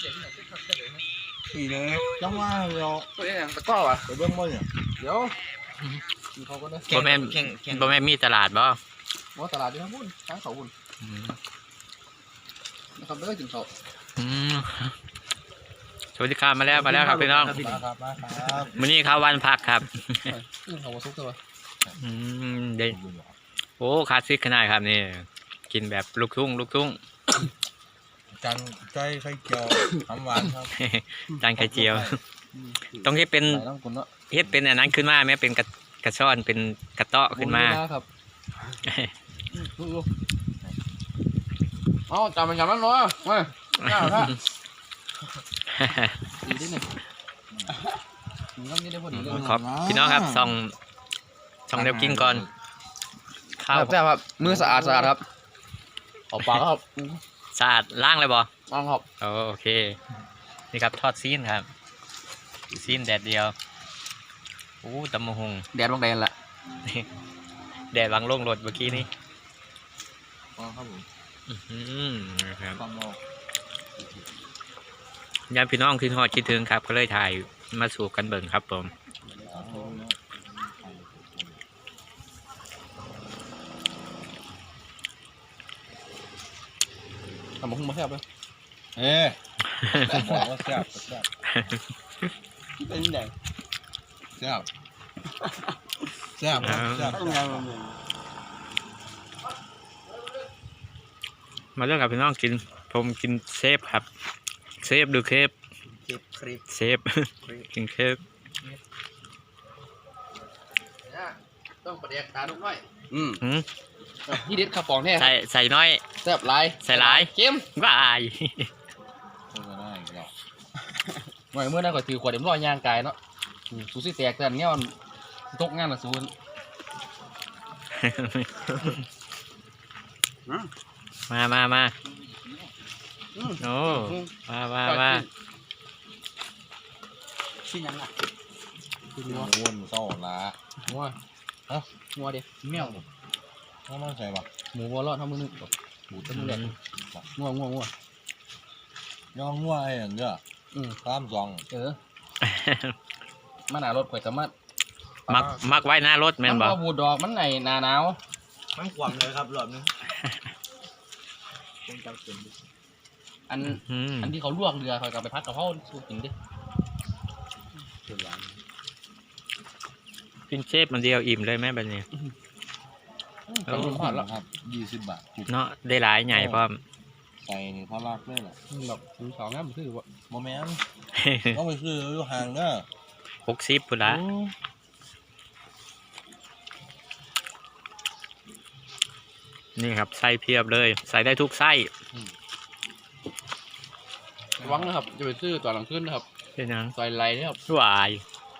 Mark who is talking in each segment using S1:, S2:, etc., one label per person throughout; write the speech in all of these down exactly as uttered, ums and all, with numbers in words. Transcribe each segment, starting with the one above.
S1: อีเลยจังว่าเราตัวนี้ตะก้อวะเดี๋ยวเบิ้งบ่เนี่ยเดี๋ยวเขาก็ได้
S2: บ่แม่นบ่แม่นมีตลาดบ่
S1: บ่ตลาดที่พุ่นทางเขาพุ่นนะครับไม่ได้ถึงเขา
S2: สวัสดีครับมาแล้วมาแล้วครับพี่น้องมื้อนี้เขาวันพักครับ
S1: เขาซุกตัว
S2: อืมเด้โอ้คลาสสิกขนาดครับนี่กินแบบลูกทุ่งลูกทุ่ง
S3: จานไก่ไข่เจียวน้ำหวานครับ
S2: จานไข่เจียวต้องให้เป็นเฮ็ดเป็นอันนั้นขึ้นมาไหมเป็นกระกระช่อนเป็นกระเตาะขึ้นมา
S1: ครับอ๋อจำมันจำมันเนาะมาเจ้าท่าดีที่หนึ่ง
S2: ขอบพี่น้องครับส่องส่องเดี๋ยวกินก่อน
S1: ข้าวแซ่บครับมือสะอาดสะอาดครับออกปากครับ
S2: สะอาดล้างเลยบ่
S1: ล้างครับ
S2: โอเคนี่ครับทอดซีนครับซีนแดดเดียวโอ้ตำมะฮง
S1: แดดบางแดดแหละ
S2: แดดวางลงรถเมื่อกี้นี้
S3: อ๋อครับผม
S2: อืมครับญาติพี่น้องคือทอดคิดถึงครับก็เลยถ่ายมาสู่กันเบิ่งครับผม
S1: ทำมาหุ้มมาแซ่บเลย
S3: เอ๊ะบอกว่าแซ่บแซ่บ
S1: เป็นยังไง
S3: แซ่บแซ่บแซ่บ
S2: มาเรื่องกับพี่น้องกินผมกินเซฟครับเซฟดูเคฟเซฟกินเคฟ
S1: ต้องประเดี๋ยวตาลูกน้อย
S2: อืม
S1: ที่เด็ดข้าวปองแน่
S2: ใส่ใส่น้อย
S1: แซ่บหลาย
S2: ใส่หลาย
S1: เข้ม
S2: ว่าอาย
S1: หน่อยเมื่อนั้นก็ถือขวดเอ็มร้อยย่างกายเนาะสูสีแตกแต่เงี้ยมันตกงานละสูน
S2: มามามาโอ้มามามา
S1: ชิ้นยังอ่ะ
S3: คืองัววนเศร้าละ
S1: งัวฮะงัวเดียวแมว
S3: งัวมันใส่ปะ
S1: หมูวัวรอดทำมือนึงหมูต้มมือแดงงัวงัวงัว
S3: ย่องงัวไอ้เนี้ย
S1: อืม
S3: ตามซอง
S1: เออมาหนารถข่อยสามารถ
S2: มักมักไว้หน้ารถแม่นบ่
S1: บูดดอกมันไหนหนาหนาว
S3: มันขวางเลยครับหลอดนึง
S1: อันอันที่เขาลวกเรือข่อยกลับไปพัดกับเขาสู้กินดิ
S2: กินเชฟมันเดียวอิ่มเลยแม่แบบนี้
S1: เราลงผ่านแล้ว
S3: ครับยี่สิบบาท
S2: เนาะได้หลายใหญ่พร้อม
S3: ใส่นี่พอรักเลยแหละ
S1: แบบถึงสองงั้นมันคือว่า
S3: โมเมนต์ก็ไปคืออยู่ห่างเนอะ
S2: หกสิบปุ่นละนี่ครับไส้เพียบเลยใส่ได้ทุกไส้
S1: วังนะครับจะไปซื้อตอนหลังขึ้นนะครับ
S2: เป็นยัง
S1: ใส่ไรนะครับ
S2: วาย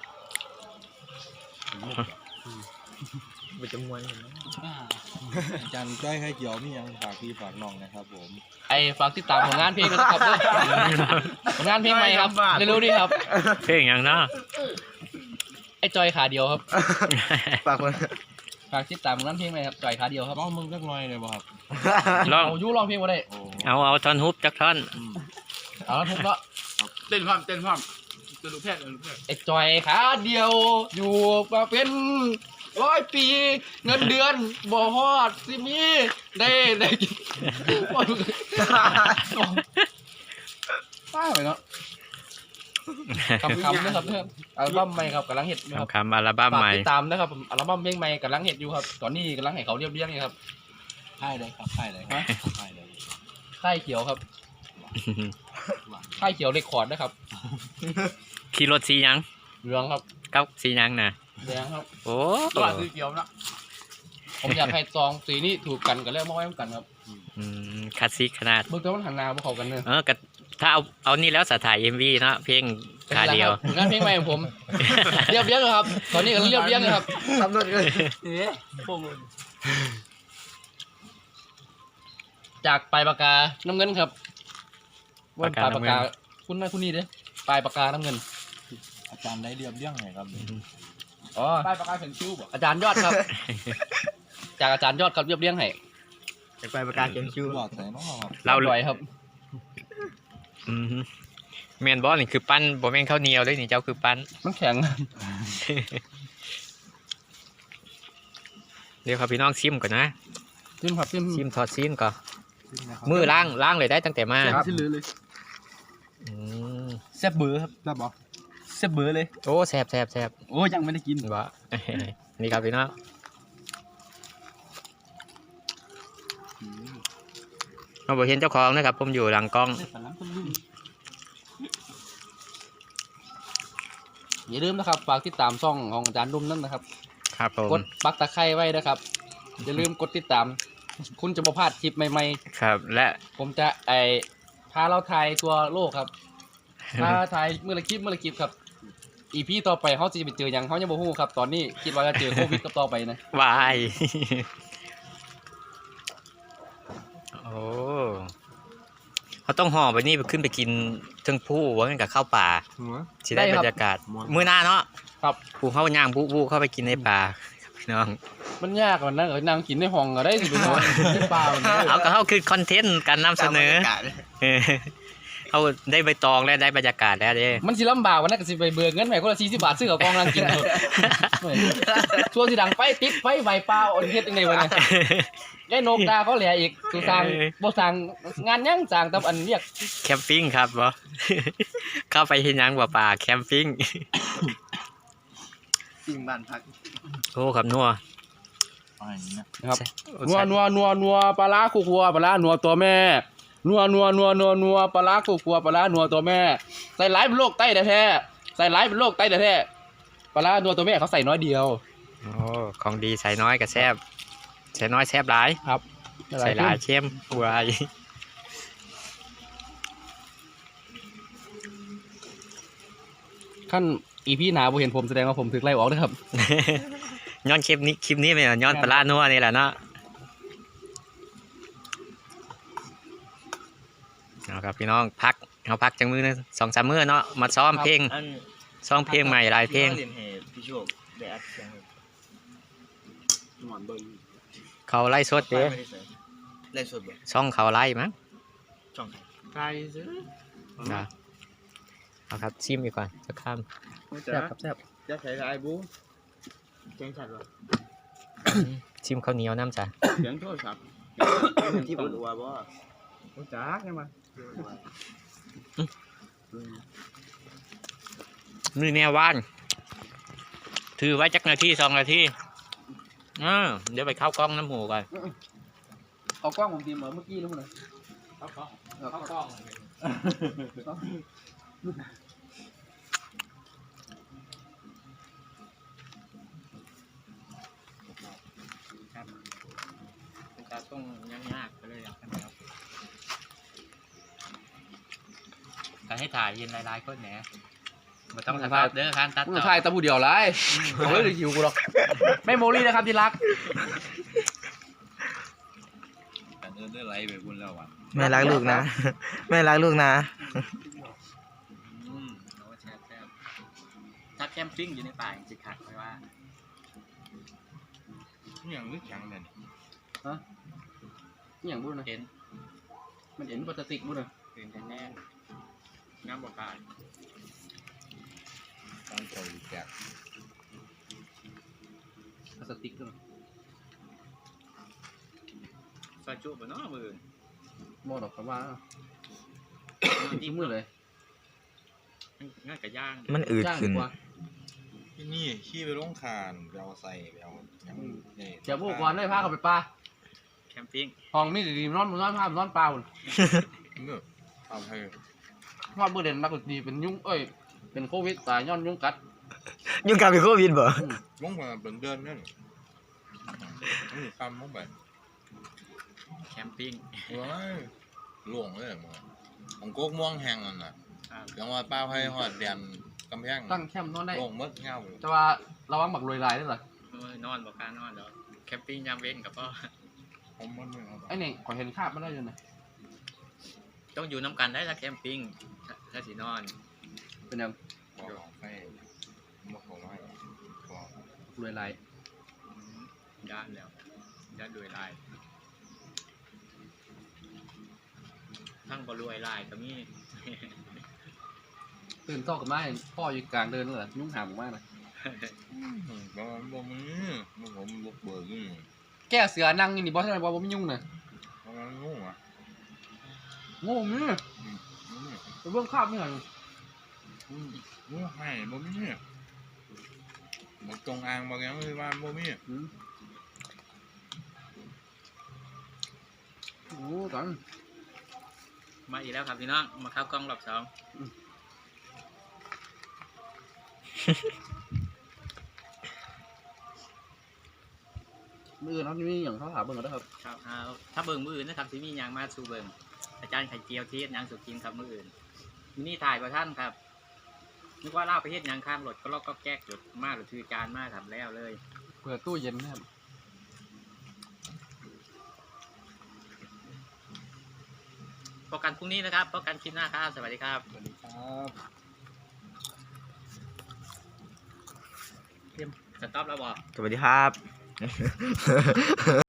S1: ไปจมวย
S3: จันใกล้ให้เกี่ยวนี่ยังฝากพี่ฝากน้องนะครับผม
S1: ไอ้ฝากติดตามผลงานเพลงนะครับผลงานเพลงใหม่ครับเร็วๆนี้ครับ
S2: เพลงยังเนาะ
S1: ไอ้จอยขาเดียวครับฝากคนฝากติดตามผลงานเพลงใหม่ครับจอยขาเดียวครับ
S3: ร้องมึงสักหน่อยเลยบ่ครับ
S2: ร้อง
S1: ยูร้องเพลงมาได้
S2: เอาเอาท่อนฮุบจักท่อน
S1: เอาท่อนฮุบละ
S3: เต้นพร้อมเต้นพร้อมจะดูแพทย์
S1: ไอ้จอยขาเดียวอยู่มาเป็นร้อยปีเงินเดือนบ่ฮอดสิมีได้ได้กินป้าไปเนาะคำคำนะครับเนี่ยอัลบั้มใหม่ครับกำลังเห็ด
S2: คำคำอัลบั้มใหม่
S1: ติดตามนะครับอัลบั้มเพลงใหม่กำลังเห็ดอยู่ครับตอนนี้กำลังให้เขาเรียบเรียงอยู่ครับ
S3: ค่ายเลยครับค่ายเลยค่ายเลย
S1: ค่ายเขียวครับค่ายเขียวเรคคอร์ดนะครับ
S2: ขี่รถสียัง
S1: เหลืองครับ
S2: กับสียังนะ
S1: แดงครับ
S2: โอ้
S1: ตัวสีเขียวนะผมอยากให้ซองสีนี้ถูกกันกันแล้วมาไว้กันครับ
S2: อืมคลาสสิกขนาด
S1: เมื่อกี้มันหันหน้าพวกเขากันเนอะ
S2: เออถ้าเอาเอานี่แล้วสถ่ายเอ็มวีเนาะเพลงขาเดียว
S1: งานเพลงใหม่ของผมเรียบเรียงเลยครับตอนนี้ก็เรียบเรียงเลยครับทำรถเลยจากปลายปากกาน้ำเงินครับวันปลายปากกาคุณนั่นคุณนี่เด้ปลายปากกาน้ำเงิน
S3: อาจารย์ได้เรียบเรียงไงครับ
S1: อ๋อปลายปากกาเขียนคิ้วอาจารย์ยอดครับจากอาจารย์ยอดครับเรียบเรียงให้
S3: จากปลายปากกาเขียนคิ้วหลอดใส่น้อง
S1: เราลอยครับ
S2: แมนบอลนี่คือปั้นบ่แม่นข้าวเหนียวเลยนี่เจ้าคือปั้น
S1: มันแข็ง
S2: เดี๋ยวครับพี่น้องชิมก่อนนะ
S1: จิ้มครับจิ้ม
S2: ชิมทอดซีนก่อนมือล้างล้างเลยได้ตั้งแต่มา
S1: ครับที่ลือเลย
S2: อืม
S3: แซ่บเบอร์ครับ
S1: ได้บ่
S3: แซ่บเบอร์เลย
S2: โอ้แซ่บแซ่บแซ่บ
S3: โอ้ยังไม่ได้กิน
S2: วะ นี่ครับพี่น้อง เราบอกเห็นเจ้าของนะครับผมอยู่หลังกล้อง
S1: อย่าลืมนะครับฝากติดตามช่องของอาจารย์รุ่มนั่นนะครับ
S2: ครับผม
S1: กดปักตะไคร้ไว้นะครับอย่าลืมกดติดตาม คุณจะบ่พลาดคลิปใหม่
S2: ครับและ
S1: ๆผมจะไอพาเราถ่ายตัวโลกครับพาถ่ายเมื่อละคลิปเมื่อละคลิปครับอีพีต่อไปเขาจะไปเจอหยังเขายังบ่ฮู้ครับตอนนี้คิดว่าจะเจอโควิดกับต่อไปนะ
S2: วาย โอ้เขาต้องห่อไปนี่ไปขึ้นไปกินเทิงผู้ว่ากันกับข้าวป่าสิได้บรรยากาศมื้อหน้าเนาะ
S1: ครับ
S2: ผู้เข้าย่างผู้ผู้เข้าไปกินในป่าครับพี่น้อง
S1: มันยากกว่านั้นเออนั่งกินในห้องก็ได้สิเป็นห้องในป่ามันเลย
S2: เอาก็เขาคือคอนเทนต์การนำเสนอเออเขาได้ใบตองแล้วได้บรรยากาศแล้วเด้
S1: มันสิลำบากวันนั้นก็สิไปเบิกเงินใหม่คนละสี่สิบบาทซื้อกับกองนั่งกินเถอะเฮ้ยช่วงที่ดังไฟติดไฟใบเปล่าอ่อนเฮ็ดยังไงวะเนี่ยยายนกดาเขาแหล่อีกสุสางบ่สร้างงานยังสร้างแต่อันเรียก
S2: แคมปิ้งครับบอ เข้าไปเห็นยังบ่ป่าแคมปิ้ง
S3: สิ่งบ้านพัก
S2: โอ้ครับนัว
S1: นะครับนัวนัวนัวนัวปลาร้าคู่ครัวปลาร้านัวตัวแม่นัวนัวนัวนัวนัวปลาร้าคู่ครัวปลาร้านัวตัวแม่ใส่หลายเป็นโรคไตแท้ๆใส่หลายเป็นโรคไตแท้ๆปลาร้านัวตัวแม่เขาใส่น้อยเดียว
S2: โอ้ของดีใส่น้อยกับแซบใส่น้อยแซบหลาย
S1: ครับ
S2: ใส่หลายเข้มวาย
S1: ขั้นอีพีหนาบ่เห็นผมแสดงว่าผมถึกไล่ออกนะครับ
S2: ย้อนคลิปนี้คลิปนี้เป็นย้อนปลาร้านัวนี่แหละเนาะเอาครับพี่น้องพักเอาพักจังมือนึงสองสามมื้อเนาะมาซ้อมเพลงซ้อมเพลงใหม่หลายเพลง
S3: พี่โชคได้อัดเสียงหมอนเบิ้ง
S2: เขาไล่สดเด้
S3: ไล่สดบ่
S2: ช่องเขาไล่มั้ง
S3: ช่องไหน
S1: ไก่ซื้อ
S2: นะเอาครับชิมดีกว่าจะข้าม
S1: แซ่บครับแซ่บ
S3: จะใช้ไอ้บูเสียงชัดวะ
S2: ชิมข้าวเหนียวน้ำจ้ะ
S3: เสียงโทรศัพท์ที่ผมรู้ว่าบ่
S1: โอ้จ้าใช่ไหม
S2: มือแนวว่านถือไว้จักนาทีสองนาทีอ่าเดี๋ยวไปเข้ากล้องน้ำหมูก่อน
S1: เอากล้องผมตีเหมือนเมื่อกี้นู้นเลย
S2: เข้ากล้องเข้ากล้องครับจะต้องยากๆไปเลยครับการให้ถ่ายยินหลายๆคนแหนมันต้องถ่ายเด้อคันตัด
S1: มึง
S2: ต่อ
S1: ถ่ายตะบูเดียวไรเอาไว้เลยหิวกูหรอกไม่โมลี่นะครับที่รัก
S3: แต่เดินได้ไรไปบุญแล้ววะ
S4: แม่รักลูกนะ แม่รักลูกนะ
S2: อืมโอ้แซ่บแซ่บถ้าแคมปิ้งอยู่ในป่าจริงๆขาดไม่ว่า
S3: นี่ยังนึกแข็งเลย
S1: นี่อย่างบุญนะ
S2: เห็น
S1: มันเห็นพลาสติกบุญนะ
S2: เห็นแน่น้ำบ่ป่า
S3: ต้องใจแจก
S1: พลาสติกด้วย
S2: ซอยจุบเนาะมือ
S1: โม่ดอกคำว่าที่มือเลย
S2: ง่ายกับย่าง
S4: มันอืด
S1: จ้าง
S4: ขึ้
S1: ดี
S4: น
S1: กว่า
S3: ที่นี่ขี้ไปลงคานไปเอาใส่ไปเอายังนี่
S1: เดี๋ยวพวกก่อนได้พาเขาไปปลา
S2: แคมปิ้ง
S1: ห้องนี่ดีๆนอนนอนผ้านอนปลาบุญ
S3: เมื่อเอาให้
S1: นอนเบื่อเด่นนักดีเป็นยุงเอ้ยเป็นโควิดตายย้อนยุงกัด
S4: ยุ่งกับเป็นโควิดบ่
S3: ลงมาเป็นเดือนนั่นนี่คำลงไป
S2: แคมปิ้ง
S3: ว้ายหลวงเลยมึงของโก๊กม่วงแห้งนั่นน่ะยังว่าเป้าให้หอดเดียนกำแพง
S1: ตั้งแคมป์นอนได้
S3: ลงมดเงา
S1: แต่ว่าระวังบักรวยลายด้วยเหรอน
S2: อนบอกการนอนแล้วแคมปิ้งยามเว้นกับพ่อ
S3: ผมมันไม่เอา
S1: ไอ้เนี่ยขอเห็นคาบไม่ได้ยังไง
S2: ต้องอยู่น้ำกันได้ถ้าแคมปิ้งถ้าสีนอน
S1: เป็นยัง
S3: บอกให้บอกเขาไม่บอก
S1: รวยลาย
S2: ย่านแล้วย่านรวยลายทั้งบรวยลายก็มี
S1: ตื่นเช้ากับมาเห็นพ่ออยู่กลางเดินเลยยุ่งหาผมมากเลย
S3: บ่บ่มีบ่ผมบุกเบิกนี่
S1: แก้เสือนั่งนี่บอสทำไมบอสไม่ยุ่งเลย
S3: เพราะมันงูอ่ะ
S1: โง่มึงไปเบื้องข้ามไม่หน่อย
S3: งูให้บ่มีบ่จงอางบ่ยังคือว่าบ่มี
S1: โอ้กัน
S2: มาอีกแล้วครับพี่น้องมาเข้ากล้องรอบสอง
S1: มือน้องนี่อย่างเขาถามเบิ่งกันนะครับ
S2: ครับอ่าถ้าเบิ่งมืออื่นนะครับที่มีอย่างมาสู่เบิ่งอาจารย์ไข่เจียวเทศยังสุกินครับมืออื่นมินี่ถ่ายกับท่านครับนึกว่าเล่าไปเฮ็ดยังข้างรถก็ลอกก็แก๊กรถมาหรือถือการมาทำแล้วเลย
S1: เปิดตู้เย็นนะครับ
S2: พบกันพรุ่งนี้นะครับพบกันคลิปหน้าครับสวัสดีครับ
S3: สวัสดีครับ
S2: สต็อปแล้วบอก
S4: สวัสดีครับ